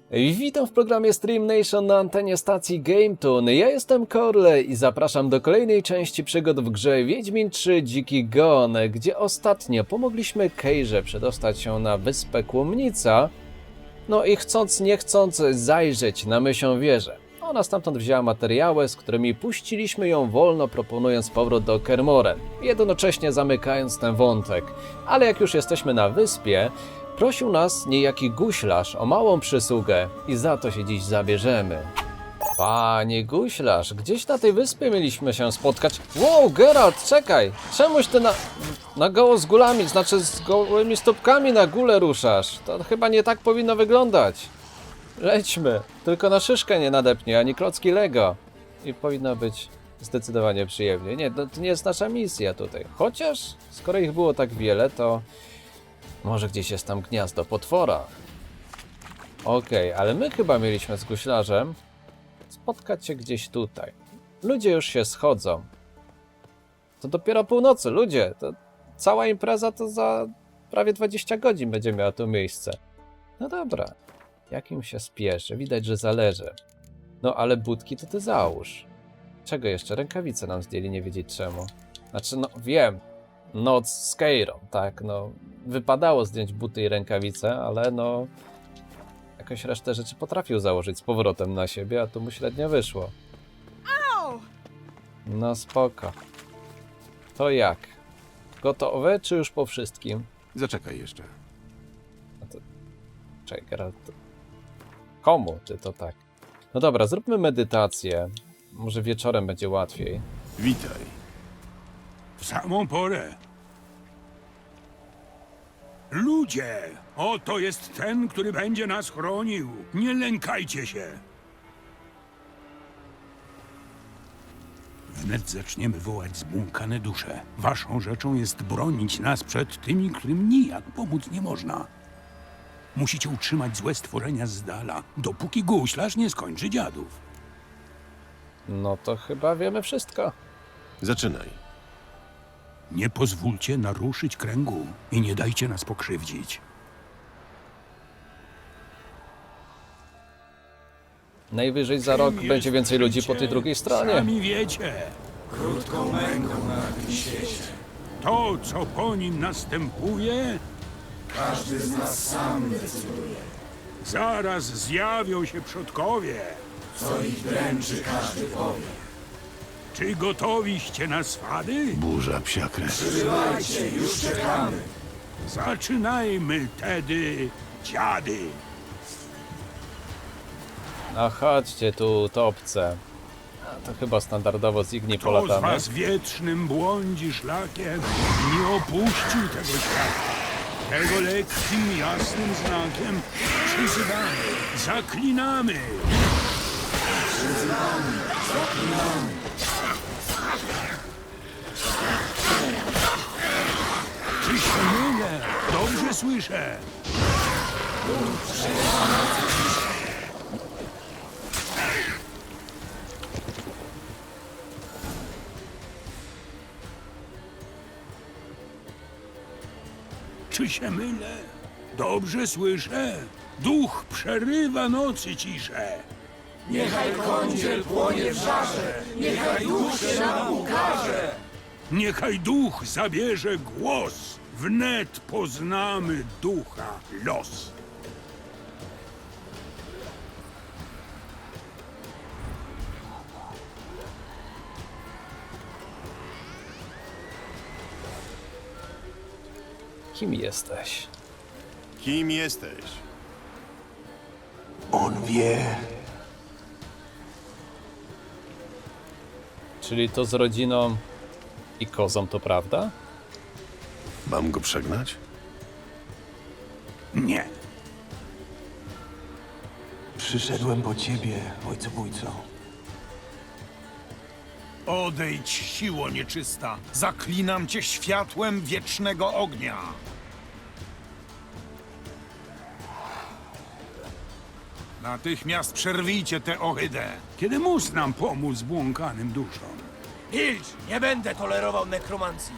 Witam w programie Stream Nation na antenie stacji GameToon. Ja jestem Corley i zapraszam do kolejnej części przygód w grze Wiedźmin 3 Dziki Gon, gdzie ostatnio pomogliśmy Kejrze przedostać się na wyspę Kłomnica, no i chcąc nie chcąc zajrzeć na Mysią Wieżę. Ona stamtąd wzięła materiały, z którymi puściliśmy ją wolno, proponując powrót do Kermoren, jednocześnie zamykając ten wątek. Ale jak już jesteśmy na wyspie, prosił nas niejaki guślarz o małą przysługę i za to się dziś zabierzemy. Panie guślarz, gdzieś na tej wyspie mieliśmy się spotkać. Wow, Geralt, czekaj! Czemuś ty na goło z gulami, znaczy z gołymi stópkami na górę ruszasz? To chyba nie tak powinno wyglądać. Lećmy, tylko na szyszkę nie nadepnie, ani klocki Lego. I powinno być zdecydowanie przyjemnie. Nie, to nie jest nasza misja tutaj. Chociaż, skoro ich było tak wiele, to może gdzieś jest tam gniazdo potwora. Okej, ale my chyba mieliśmy z guślarzem spotkać się gdzieś tutaj. Ludzie już się schodzą. To dopiero północy, ludzie. To cała impreza to za prawie 20 godzin będzie miała tu miejsce. No dobra. Jak im się spieszy? Widać, że zależy. No ale budki to ty załóż. Czego jeszcze? Rękawice nam zdjęli, nie wiedzieć czemu. Znaczy, no wiem. Noc z Keirą, tak, no. Wypadało zdjąć buty i rękawice, ale no... jakoś resztę rzeczy potrafił założyć z powrotem na siebie, a tu mu średnio wyszło. No spoko. To jak? Gotowe, czy już po wszystkim? Zaczekaj jeszcze. Czekaj, Geralt. Komu, czy to tak? No dobra, zróbmy medytację. Może wieczorem będzie łatwiej. Witaj. W samą porę. Ludzie, oto jest ten, który będzie nas chronił. Nie lękajcie się. Wnet zaczniemy wołać zbłąkane dusze. Waszą rzeczą jest bronić nas przed tymi, którym nijak pomóc nie można. Musicie utrzymać złe stworzenia z dala, dopóki guślarz nie skończy dziadów. No to chyba wiemy wszystko. Zaczynaj. Nie pozwólcie naruszyć kręgu i nie dajcie nas pokrzywdzić. Najwyżej za rok będzie więcej ludzi po tej drugiej stronie. Sami wiecie. Krótką męką na tym świecie. To, co po nim następuje, każdy z nas sam decyduje. Zaraz zjawią się przodkowie. Co ich dręczy, każdy powie. Czy gotowiście na swady? Burza psia krew. Przybywajcie, już czekamy. Zaczynajmy tedy, dziady. No chodźcie tu, topce. A to chyba standardowo z Igni Kto z polatamy. was wiecznym błądzi szlakiem, nie opuścił tego świata. Tego lekkim, jasnym znakiem przyzywamy, zaklinamy. Czy się mylę? Dobrze słyszę. Czy się mylę? Dobrze słyszę. Duch przerywa nocy ciszę. Niechaj kądziel płonie w żarze, niechaj duch się nam ukaże. Niechaj duch zabierze głos, wnet poznamy ducha los. Kim jesteś? Kim jesteś? On wie. Czyli to z rodziną i kozą, to prawda? Mam go przegnać? Nie. Przyszedłem po ciebie, ojcobójco. Odejdź, siło nieczysta! Zaklinam cię światłem wiecznego ognia! Natychmiast przerwijcie tę ohydę! Kiedy mus nam pomóc zbłąkanym duszom? Milcz! Nie będę tolerował nekromancji!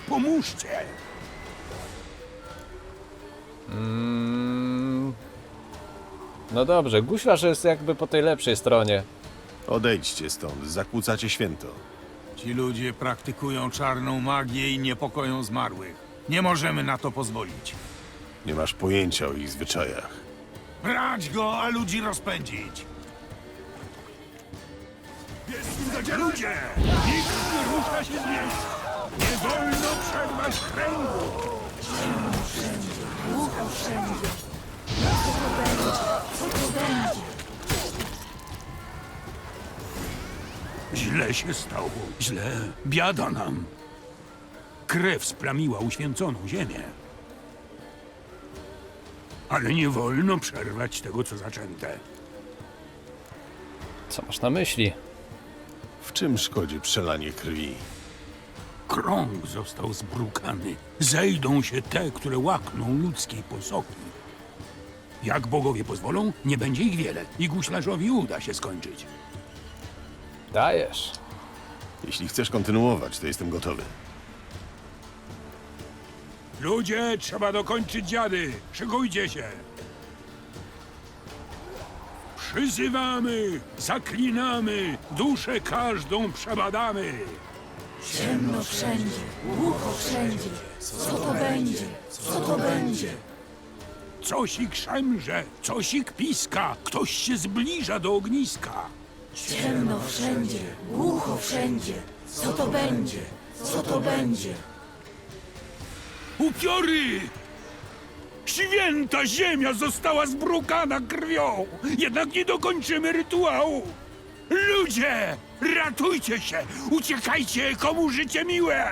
Pomóżcie! No dobrze, guślarz jest jakby po tej lepszej stronie. Odejdźcie stąd, zakłócacie święto. Ci ludzie praktykują czarną magię i niepokoją zmarłych. Nie możemy na to pozwolić. Nie masz pojęcia o ich zwyczajach. Brać go, a ludzi rozpędzić. Ludzie! Nikt nie rusza się z miejsca! Nie wolno przerwać kręgu! Głucho wszędzie. Co to będzie? Co to będzie? Źle się stało. Źle. Biada nam. Krew splamiła uświęconą ziemię. Ale nie wolno przerwać tego, co zaczęte. Co masz na myśli? W czym szkodzi przelanie krwi? Krąg został zbrukany. Zejdą się te, które łakną ludzkiej posoki. Jak bogowie pozwolą, nie będzie ich wiele i guślarzowi uda się skończyć. Dajesz. Jeśli chcesz kontynuować, to jestem gotowy. Ludzie, trzeba dokończyć dziady. Szykujcie się. Przyzywamy, zaklinamy, duszę każdą przebadamy. Ciemno wszędzie. Głucho wszędzie. Co to będzie? Co to będzie? Cosik szemrze, cosik piska, ktoś się zbliża do ogniska. Ciemno wszędzie. Głucho wszędzie. Co to będzie? Co to będzie? Upiory! Święta ziemia została zbrukana krwią, jednak nie dokończymy rytuału. Ludzie, ratujcie się, uciekajcie, komu życie miłe.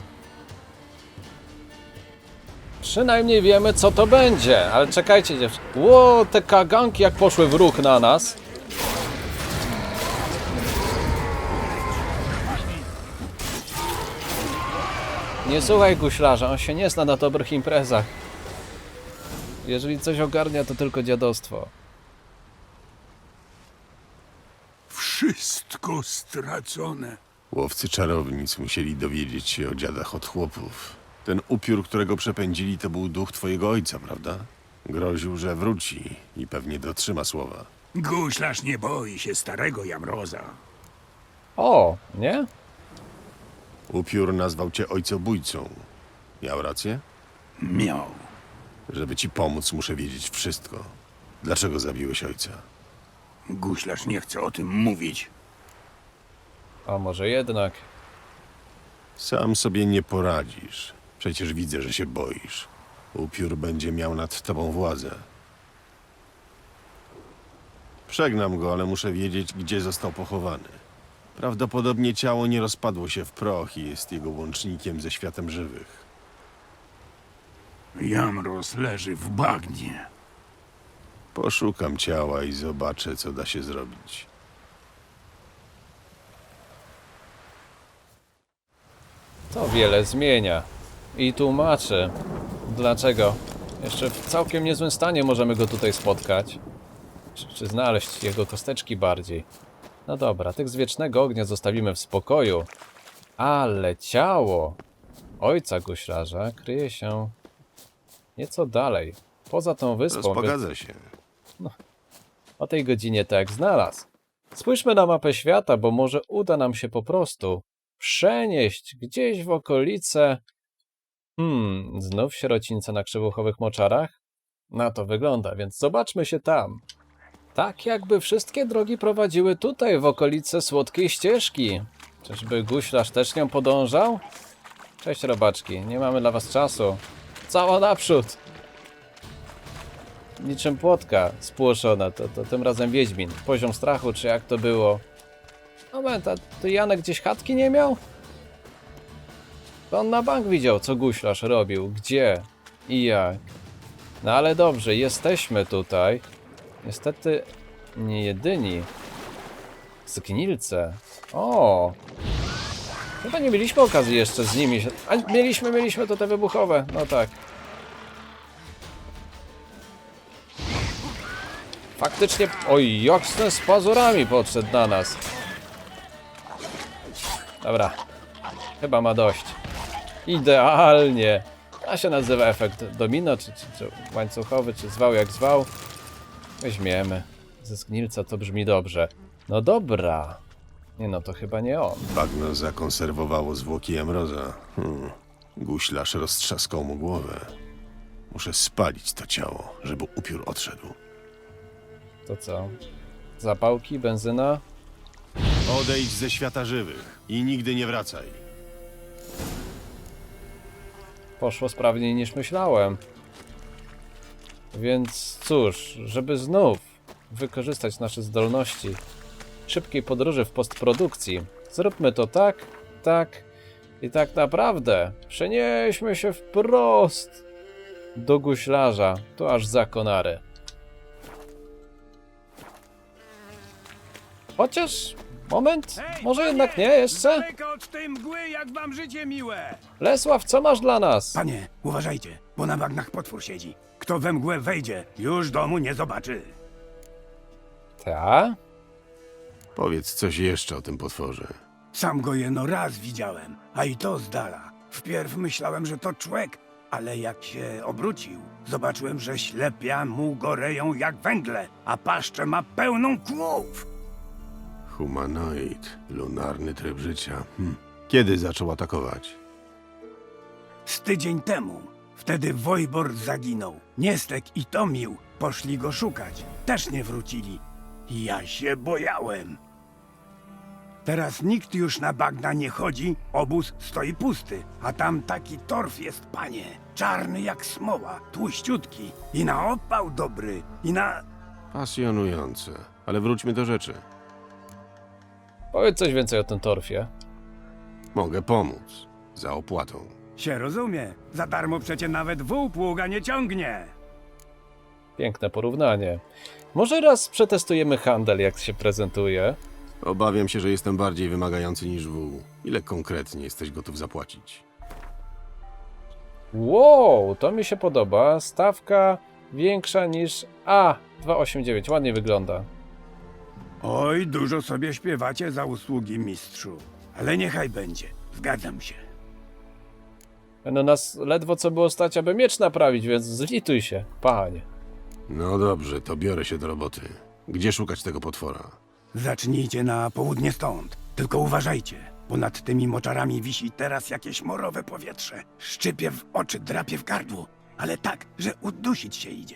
Przynajmniej wiemy, co to będzie. Ale czekajcie, dziewczyny. Ło, te kaganki jak poszły w ruch na nas. Nie słuchaj guślarza, on się nie zna na dobrych imprezach. Jeżeli coś ogarnia, to tylko dziadostwo. Wszystko stracone. Łowcy czarownic musieli dowiedzieć się o dziadach od chłopów. Ten upiór, którego przepędzili, to był duch twojego ojca, prawda? Groził, że wróci i pewnie dotrzyma słowa. Guślarz nie boi się starego Jamroza. O, nie? Upiór nazwał cię ojcobójcą. Miał rację? Miał. Żeby ci pomóc, muszę wiedzieć wszystko. Dlaczego zabiłeś ojca? Guślarz nie chce o tym mówić. A może jednak. Sam sobie nie poradzisz. Przecież widzę, że się boisz. Upiór będzie miał nad tobą władzę. Przegnam go, ale muszę wiedzieć, gdzie został pochowany. Prawdopodobnie ciało nie rozpadło się w proch i jest jego łącznikiem ze światem żywych. Jamroz leży w bagnie. Poszukam ciała i zobaczę, co da się zrobić. To wiele zmienia. I tłumaczy, dlaczego. Jeszcze w całkiem niezłym stanie możemy go tutaj spotkać. Czy znaleźć jego kosteczki bardziej. No dobra, tych z wiecznego ognia zostawimy w spokoju. Ale ciało ojca guślarza kryje się nieco dalej. Poza tą wyspą. Rozpogadza się. O tej godzinie tak znalazł. Spójrzmy na mapę świata, bo może uda nam się po prostu przenieść gdzieś w okolice... znów sierocińce na krzywuchowych moczarach? Na to wygląda, więc zobaczmy się tam. Tak jakby wszystkie drogi prowadziły tutaj, w okolice Słodkiej Ścieżki. Czyżby guślarz też nią podążał? Cześć robaczki, nie mamy dla was czasu. Cała naprzód! Niczym płotka spłoszona, to tym razem Wiedźmin. Poziom strachu, czy jak to było? Moment, a to Janek gdzieś chatki nie miał? To on na bank widział, co guślarz robił, gdzie i jak. No ale dobrze, jesteśmy tutaj. Niestety nie jedyni. Zgnilce. O! Chyba nie mieliśmy okazji jeszcze z nimi się... A mieliśmy to te wybuchowe, no tak. Faktycznie... Oj, jak z pazurami podszedł na nas. Dobra. Chyba ma dość. Idealnie. A się nazywa efekt domino, czy łańcuchowy, czy zwał jak zwał. Weźmiemy. Ze zgnilca to brzmi dobrze. No dobra. Nie no, to chyba nie on. Bagno zakonserwowało zwłoki Amroza. Guślarz roztrzaskał mu głowę. Muszę spalić to ciało, żeby upiór odszedł. To co? Zapałki, benzyna? Odejdź ze świata żywych i nigdy nie wracaj. Poszło sprawniej niż myślałem. Więc cóż, żeby znów wykorzystać nasze zdolności szybkiej podróży w postprodukcji, zróbmy to tak, tak i tak naprawdę przenieśmy się wprost do guślarza, to aż za konary. Chociaż, moment, może jednak nie jeszcze? Daleko od tej mgły, jak wam życie miłe! Lesław, co masz dla nas? Panie, uważajcie, bo na bagnach potwór siedzi. Kto we mgłę wejdzie, już domu nie zobaczy. Ta? Powiedz coś jeszcze o tym potworze. Sam go jeno raz widziałem, a i to z dala. Wpierw myślałem, że to człek, ale jak się obrócił, zobaczyłem, że ślepia mu goreją jak węgle, a paszczę ma pełną kłów. Humanoid, lunarny tryb życia. Kiedy zaczął atakować? Z tydzień temu. Wtedy Wojbor zaginął. Niestek i Tomił poszli go szukać. Też nie wrócili. Ja się bojałem. Teraz nikt już na bagna nie chodzi, obóz stoi pusty, a tam taki torf jest, panie. Czarny jak smoła, tłuściutki i na opał dobry, i na... Pasjonujące. Ale wróćmy do rzeczy. Powiedz coś więcej o tym torfie. Mogę pomóc. Za opłatą. Się rozumie, za darmo przecie nawet wół pługa nie ciągnie. Piękne porównanie. Może raz przetestujemy handel, jak się prezentuje. Obawiam się, że jestem bardziej wymagający niż wół. Ile konkretnie jesteś gotów zapłacić? Wow, to mi się podoba. Stawka większa niż A289. Ładnie wygląda. Oj, dużo sobie śpiewacie za usługi, mistrzu. Ale niechaj będzie, zgadzam się. No nas ledwo co było stać, aby miecz naprawić, więc zlituj się, panie. No dobrze, to biorę się do roboty. Gdzie szukać tego potwora? Zacznijcie na południe stąd. Tylko uważajcie, bo nad tymi moczarami wisi teraz jakieś morowe powietrze. Szczypie w oczy, drapie w gardło. Ale tak, że udusić się idzie.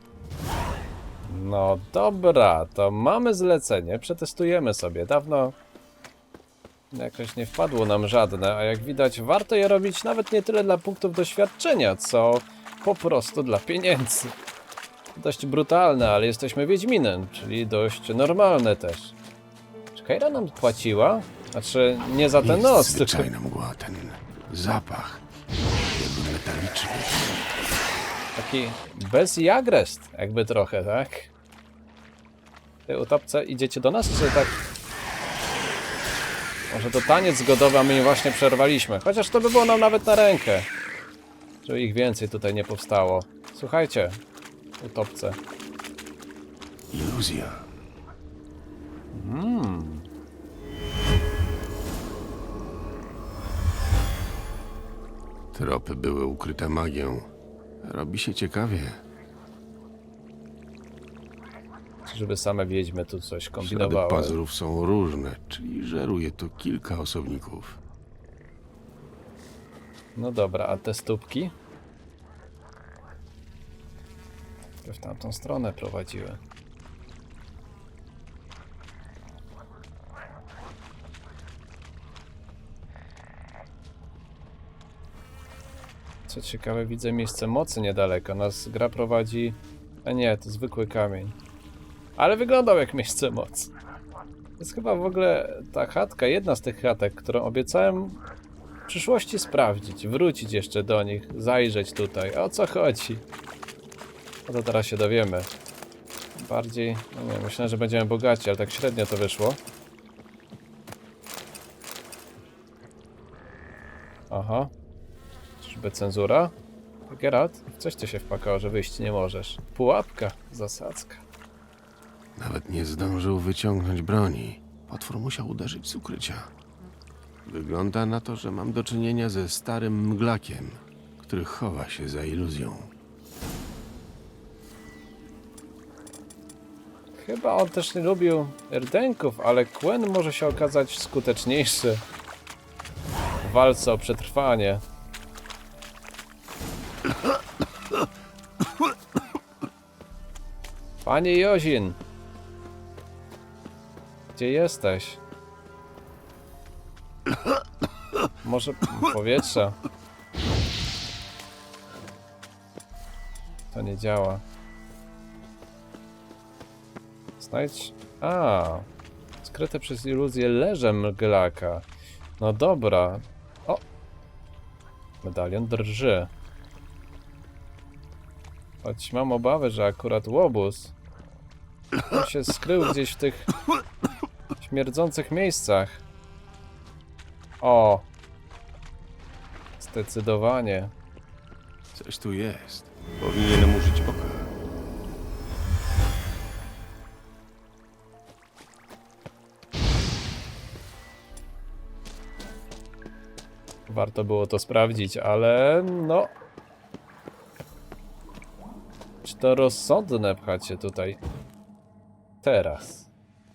No dobra, to mamy zlecenie, przetestujemy sobie. Dawno jakoś nie wpadło nam żadne, a jak widać warto je robić nawet nie tyle dla punktów doświadczenia, co po prostu dla pieniędzy. Dość brutalne, ale jesteśmy Wiedźminem, czyli dość normalne też. Czy Keira nam płaciła? Znaczy, nie za ten Jest nos, tylko... zwyczajna mgła, ten zapach. Jakby metaliczny. Taki bez i agrest, jakby trochę, tak? Ty utopce idziecie do nas, czy tak? Może to taniec zgodowy, a my im właśnie przerwaliśmy. Chociaż to by było nam nawet na rękę. Żeby ich więcej tutaj nie powstało. Słuchajcie, utopce. Iluzja. Tropy były ukryte magią. Robi się ciekawie. Żeby same wiedźmy tu coś Ślady kombinowały. pazurów są różne, czyli żeruje tu kilka osobników. No dobra, a te stópki? To w tamtą stronę prowadziły. Co ciekawe, widzę miejsce mocy niedaleko. Nas gra prowadzi... A nie, to zwykły kamień. Ale wyglądał jak miejsce mocy. To jest chyba w ogóle ta chatka, jedna z tych chatek, którą obiecałem w przyszłości sprawdzić, wrócić jeszcze do nich, zajrzeć tutaj. O co chodzi? No to teraz się dowiemy. Bardziej, no nie, myślę, że będziemy bogaci, ale tak średnio to wyszło. Aha. Czyżby cenzura? Geralt, coś ty się wpakało, że wyjść nie możesz. Pułapka, zasadzka. Nawet nie zdążył wyciągnąć broni. Potwór musiał uderzyć z ukrycia. Wygląda na to, że mam do czynienia ze starym mglakiem, który chowa się za iluzją. Chyba on też nie lubił rdenków, ale Quen może się okazać skuteczniejszy w walce o przetrwanie. Panie Jozin! Gdzie jesteś? Może powietrze? To nie działa. Znajdź... A, skryte przez iluzję leże mglaka. No dobra. O! Medalion drży. Choć mam obawy, że akurat łobuz on się skrył gdzieś w tych śmierdzących miejscach. O! Zdecydowanie. Coś tu jest. Powinienem użyć oka. Warto było to sprawdzić, ale no... Czy to rozsądne pchać się tutaj teraz?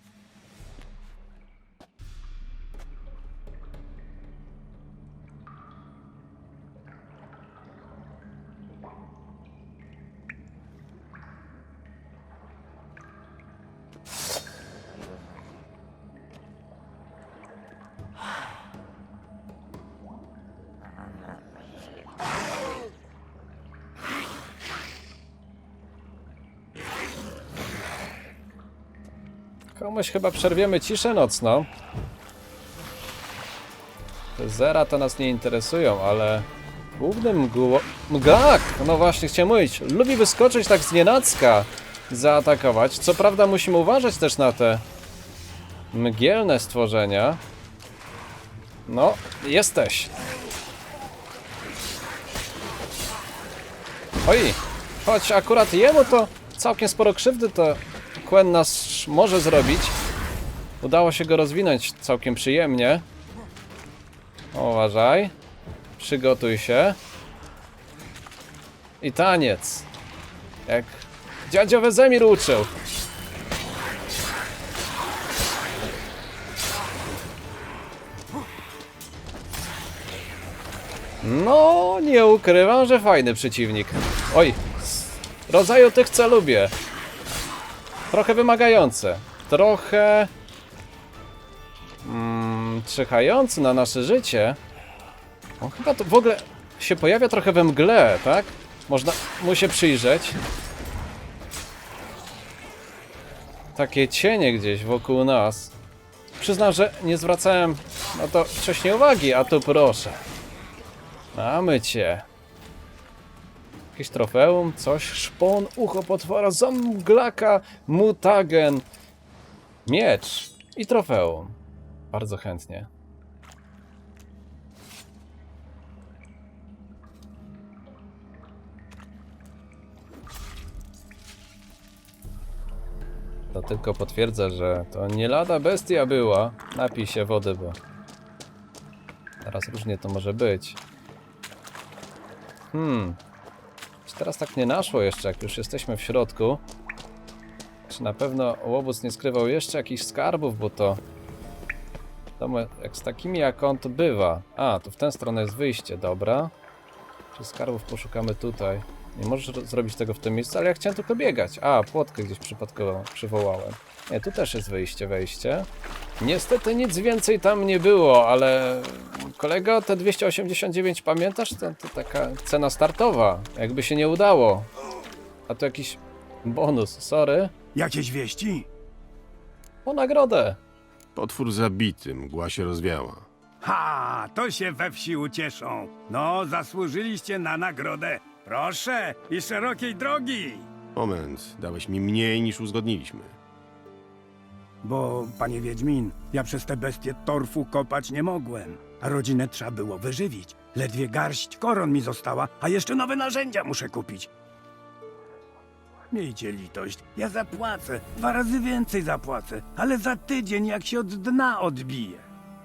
Komuś chyba przerwiemy ciszę nocną. Te zera to nas nie interesują, ale głównym mgłak, no właśnie chciałem mówić, lubi wyskoczyć tak znienacka, zaatakować. Co prawda musimy uważać też na te mgielne stworzenia. No, jesteś. Oj, choć akurat jemu to całkiem sporo krzywdy to Quen nas może zrobić. Udało się go rozwinąć całkiem przyjemnie. Uważaj. Przygotuj się. I taniec. Jak dziadzio Wezemir uczył. No, nie ukrywam, że fajny przeciwnik. Oj, z rodzaju tych, co lubię. Trochę wymagające. Trochę... czyhający na nasze życie. On chyba to w ogóle się pojawia trochę we mgle, tak? Można mu się przyjrzeć. Takie cienie gdzieś wokół nas. Przyznam, że nie zwracałem na to wcześniej uwagi, a tu proszę. Mamy cię. Jakieś trofeum, coś, szpon, ucho potwora, zamglaka, mutagen, miecz i trofeum. Bardzo chętnie. To tylko potwierdza, że to nie lada bestia była. Napij się wody, bo teraz różnie to może być. Czy teraz tak nie naszło jeszcze, jak już jesteśmy w środku? Czy na pewno łobuz nie skrywał jeszcze jakichś skarbów, bo to... jak z takimi jak on to bywa. A, tu w tę stronę jest wyjście, dobra. Czy skarbów poszukamy tutaj? Nie możesz zrobić tego w tym miejscu, ale ja chciałem tylko biegać. A, płotkę gdzieś przypadkowo przywołałem. Nie, tu też jest wyjście, wejście. Niestety nic więcej tam nie było, ale... Kolego, te 289, pamiętasz? To taka cena startowa. Jakby się nie udało. A to jakiś bonus, sorry. Jakieś wieści? O nagrodę. Potwór zabity, mgła się rozwiała. Ha, to się we wsi ucieszą. No, zasłużyliście na nagrodę. Proszę, i szerokiej drogi. Moment, dałeś mi mniej niż uzgodniliśmy. Bo, panie Wiedźmin, ja przez te bestie torfu kopać nie mogłem. A rodzinę trzeba było wyżywić. Ledwie garść koron mi została, a jeszcze nowe narzędzia muszę kupić. Miejcie litość, ja zapłacę, 2 razy więcej zapłacę, ale za tydzień, jak się od dna odbije.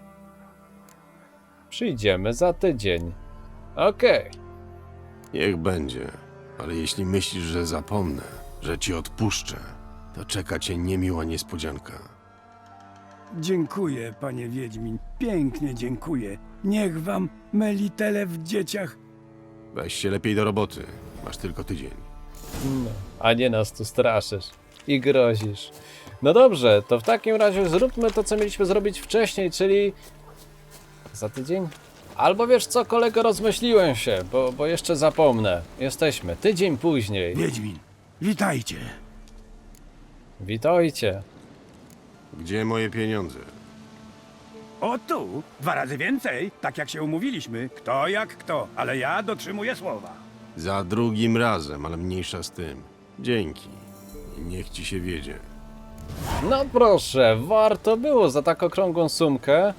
Przyjdziemy za tydzień. Okej. Niech będzie, ale jeśli myślisz, że zapomnę, że ci odpuszczę, to czeka cię niemiła niespodzianka. Dziękuję, panie Wiedźmin. Pięknie dziękuję. Niech wam melitele w dzieciach. Weź się lepiej do roboty. Masz tylko tydzień. No, a nie nas tu straszysz i grozisz. No dobrze, to w takim razie zróbmy to, co mieliśmy zrobić wcześniej, czyli za tydzień? Albo wiesz co, kolego, rozmyśliłem się, bo jeszcze zapomnę. Jesteśmy tydzień później. Wiedźmin, witajcie. Witajcie. Gdzie moje pieniądze? O tu, 2 razy więcej, tak jak się umówiliśmy. Kto jak kto, ale ja dotrzymuję słowa. Za drugim razem, ale mniejsza z tym. Dzięki. I niech ci się wiedzie. No proszę, warto było za tak okrągłą sumkę.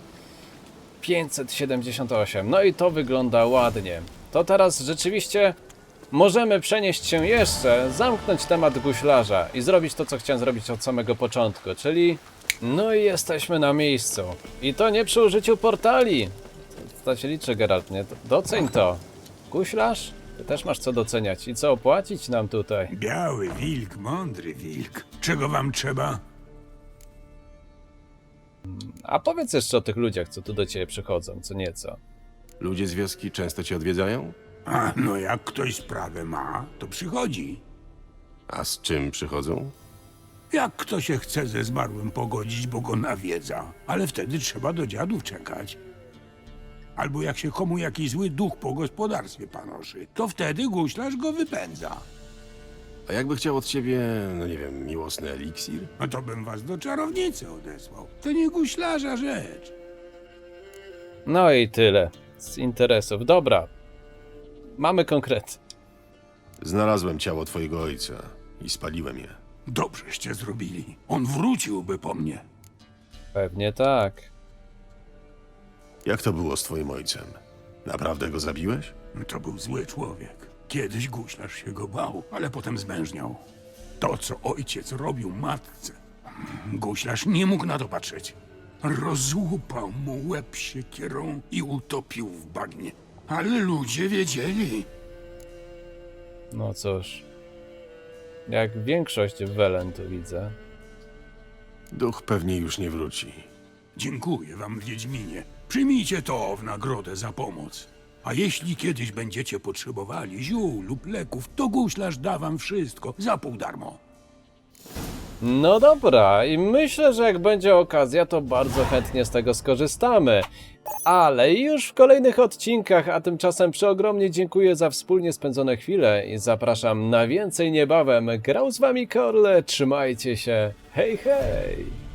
578, no i to wygląda ładnie. To teraz rzeczywiście możemy przenieść się jeszcze, zamknąć temat guślarza i zrobić to, co chciałem zrobić od samego początku, czyli no i jesteśmy na miejscu. I to nie przy użyciu portali. To się liczy, Geralt, nie? Doceń to. Guślarz? Ty też masz co doceniać i co opłacić nam tutaj. Biały wilk, mądry wilk. Czego wam trzeba? A powiedz jeszcze o tych ludziach, co tu do ciebie przychodzą, co nieco. Ludzie z wioski często cię odwiedzają? A no jak ktoś sprawę ma, to przychodzi. A z czym przychodzą? Jak kto się chce ze zmarłym pogodzić, bo go nawiedza, ale wtedy trzeba do dziadów czekać. Albo jak się komu jakiś zły duch po gospodarstwie panoszy, to wtedy guślarz go wypędza. A jakby chciał od ciebie, no nie wiem, miłosny eliksir? No to bym was do czarownicy odesłał. To nie guślarza rzecz. No i tyle z interesów. Dobra, mamy konkret. Znalazłem ciało twojego ojca i spaliłem je. Dobrzeście zrobili. On wróciłby po mnie. Pewnie tak. Jak to było z twoim ojcem? Naprawdę go zabiłeś? To był zły człowiek. Kiedyś guślarz się go bał, ale potem zmężniał. To, co ojciec robił matce, guślarz nie mógł na to patrzeć. Rozłupał mu łeb siekierą i utopił w bagnie. Ale ludzie wiedzieli. No cóż. Jak większość Welen tu widzę. Duch pewnie już nie wróci. Dziękuję wam, Wiedźminie. Przyjmijcie to w nagrodę za pomoc. A jeśli kiedyś będziecie potrzebowali ziół lub leków, to guślarz da wam wszystko za pół darmo. No dobra, i myślę, że jak będzie okazja, to bardzo chętnie z tego skorzystamy. Ale już w kolejnych odcinkach, a tymczasem przeogromnie dziękuję za wspólnie spędzone chwile i zapraszam na więcej niebawem. Grał z wami Korle, trzymajcie się, hej hej!